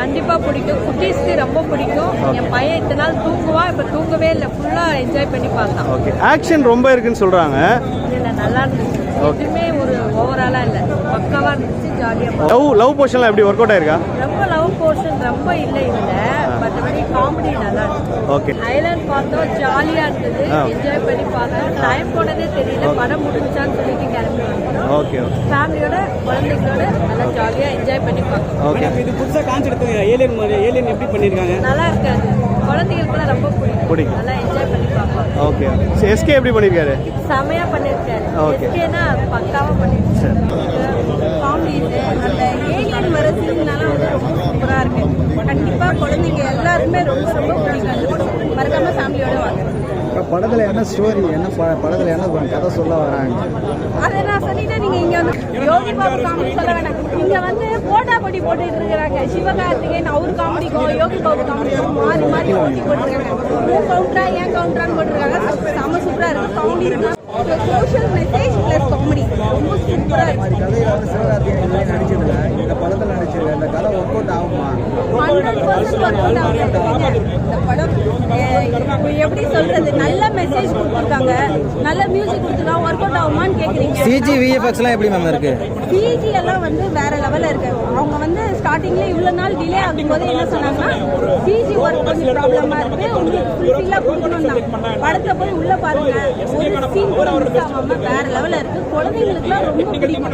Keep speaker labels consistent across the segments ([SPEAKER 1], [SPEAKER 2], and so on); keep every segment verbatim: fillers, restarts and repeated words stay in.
[SPEAKER 1] கண்டிப்பா பிடிக்கும். குட்டீஸ்க்கு ரொம்ப பிடிக்கும். என் பையன் இத்தனை நாள் தூங்குவா, இப்ப தூங்கவே இல்லை, ஃபுல்லா என்ஜாய் பண்ணி பார்த்தான்.
[SPEAKER 2] ஓகே, ஆக்ஷன் ரொம்ப இருக்குன்னு சொல்றாங்க.
[SPEAKER 1] இல்ல நல்லா இருந்துச்சு, எதுவுமே ஒரு ஓவராலா இல்ல, பக்காவா இருந்துச்சு, ஜாலியா.
[SPEAKER 2] லவ் லவ் போர்ஷன்லாம் எப்படி ஒர்க் அவுட் ஆயிருக்கா?
[SPEAKER 1] ரொம்ப லவ் போர்ஷன் ரொம்ப இல்ல இல்ல, மற்றபடி காமெடி நல்லா இருந்துச்சு.
[SPEAKER 2] ஓகே,
[SPEAKER 1] ஐலாண்ட் பார்த்தோம், ஜாலியா இருந்தது, என்ஜாய் பண்ணி பார்த்தோம். டைம் போனதே தெரியல, படம் முடிஞ்சான்னு சொல்லிட்டு கிளம்பி வந்தோம்.
[SPEAKER 2] ஓகே,
[SPEAKER 1] ஃபேமிலியோட குழந்தைங்களோட நல்லா ஜாலியா என்ஜாய் பண்ணி பார்த்தோம்.
[SPEAKER 2] ஓகே,
[SPEAKER 3] இது புதுசா கான்செப்ட் ஏலியன் மாதிரி ஏலியன் எப்படி பண்ணிருக்காங்க?
[SPEAKER 1] நல்லா இருக்காது, குழந்தைங்களுக்குள்ள ரொம்ப பிடிக்கும்,
[SPEAKER 2] பிடிக்கும்,
[SPEAKER 1] நல்லா என்ஜாய் பண்ணி பார்ப்போம்.
[SPEAKER 2] ஓகே. எஸ்கே எப்படி பண்ணிருக்காரு?
[SPEAKER 1] செமையா பண்ணிருக்காரு.
[SPEAKER 2] ஓகே,
[SPEAKER 1] எஸ்கேனா பக்காவா பண்ணிருக்காரு. காமெடி அந்த ஏலியன் வர சீன்னால வந்து ரொம்ப சூப்பரா இருக்கு. கண்டிப்பா குழந்தைங்க எல்லாருமே ரொம்ப ரொம்ப பிடிக்கும். மறக்காம ஃபேமிலியோட வாங்க.
[SPEAKER 4] படத்துல என்ன ஸ்டோரி, என்ன படத்துல என்ன கதை சொல்ல வராங்க?
[SPEAKER 1] அதை நான் சொல்லிட்டேன். நீங்க இங்க வந்து யோகி பாபு காமெடி சொல்ல வேணாம். இங்க வந்து போட்டா போட்டி போட்டுட்டு இருக்கிறாங்க. சிவகார்த்திகேயன் அவரு காமெடிக்கும் யோகி பாபு காமெடிக்கும் மாறி மாறி போட்டி போட்டுருக்காங்க. உன் கவுண்டரா ஏன் கவுண்டரான்னு போட்டுருக்காங்க. செம சூப்பரா இருக்கு. Comedy social message plus comedy ரொம்ப சூப்பரா இருக்கு.
[SPEAKER 4] கதையில வந்து சிவகார்த்திகேயன் நடிச்சதுல இந்த படத்துல நடிச்சது இந்த கதை ஒர்க் அவுட் ஆகுமா?
[SPEAKER 1] ஹண்ட்ரட் பர்சன்ட் ஒர்க் அவுட் ஆகுது. இந்த படம் எப்படி சொல்றது, நல்ல மெசேஜ் கொடுத்துருக்காங்க, நல்ல மியூசிக் கொடுத்துருக்காங்க. ஒர்க் அவுட் ஆகுமான்னு கேக்குறீங்க.
[SPEAKER 4] சிஜி விஎஃப்எக்ஸ் எல்லாம் எப்படி மேம் இருக்கு?
[SPEAKER 1] சிஜி எல்லாம் வந்து வேற லெவல்ல இருக்கு. அவங்க வந்து ஸ்டார்டிங்ல இவ்வளவு நாள் டிலே ஆகும்போது என்ன சொன்னாங்கன்னா, சிஜி ஒர்க் கொஞ்சம் ப்ராப்ளமா இருக்கு, உங்களுக்கு ஃபுல்ஃபில்லா கொடுக்கணும். படத்துல போய் உள்ள பாருங்க, ஒரு சீன் கூட மிஸ் ஆகாம வேற லெவல்ல இருக்கு. குழந்தைங்களுக்குலாம் ரொம்ப பிடிக்கும்.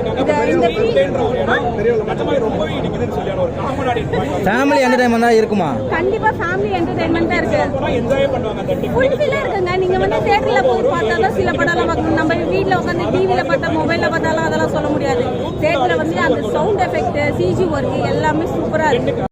[SPEAKER 4] ஃபேமிலி என்டர்டைன்மெண்ட் தான் இருக்குமா?
[SPEAKER 1] கண்டிப்பா ஃபேமிலி என்டர்டைன்மெண்ட் தான் இருக்கு. ஃபுல்ஃபில்லா இருக்குங்க. நீங்க வந்து தியேட்டர்ல போய் பார்த்தாதான் சில படம்லாம் பார்க்கணும். நம்ம வீட்டுல உட்காந்து டிவில பார்த்தா மொபைல்ல பார்த்தாலும் அதெல்லாம் சொல்ல முடியாது. தியேட்டர்ல வந்து அந்த சவுண்ட் எஃபெக்ட், சிஜி ஒர்க் எல்லாமே சூப்பரா இருக்கு.